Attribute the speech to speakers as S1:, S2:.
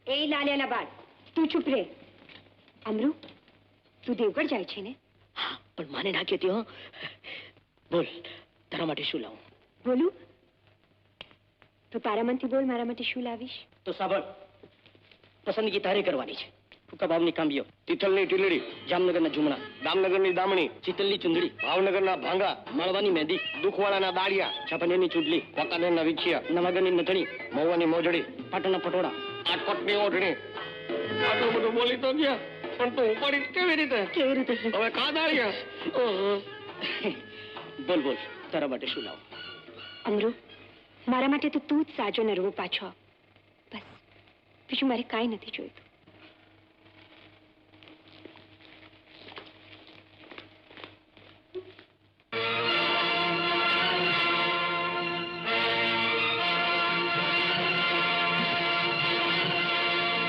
S1: એ લાલિયાના બાળ, તું ચૂપ રે. અમરુ, તું દેવગઢ જાય છે ને?
S2: હા, પણ માને ના કહેતી હો. બોલ, તારા માટે શું લાવું?
S1: બોલું? તો તારા મનથી બોલ, મારા માટે શું લાવીશ?
S2: તો સાંભળ, પસંદગી તારે કરવાની છે. ફૂકા બાબની કાંબીઓ,
S3: તિથલની ટીલડી,
S2: જામનગરના ઝુમણા,
S3: દામનગરની દામણી,
S2: ચિતલની ચુંદડી,
S3: ભાવનગરના ભાંગા,
S2: માળવાની મહેંદી,
S3: દુખવાળાના દાળિયા,
S2: છાપનિયાની ચૂંટલી,
S3: વાંકાનેરના વિછિયા,
S2: નવાગરની નથણી,
S3: મહુવાની મોજડી,
S2: પાટણના પટોળા,
S3: આટકોટની ઓઢણી. આટલું બધું બોલી તો ગયા, પણ તું ઉપાડી કેવી રીતે?
S2: કેવી રીતે?
S3: હવે કા દાળિયા?
S2: બોલ બોલ, તારા માટે શું લાવું?
S1: અમરુ, મારા માટે તો તું જ સાજો ને રૂ પાછો. બસ, બીજું મારે કાંઈ નથી જોઈતું.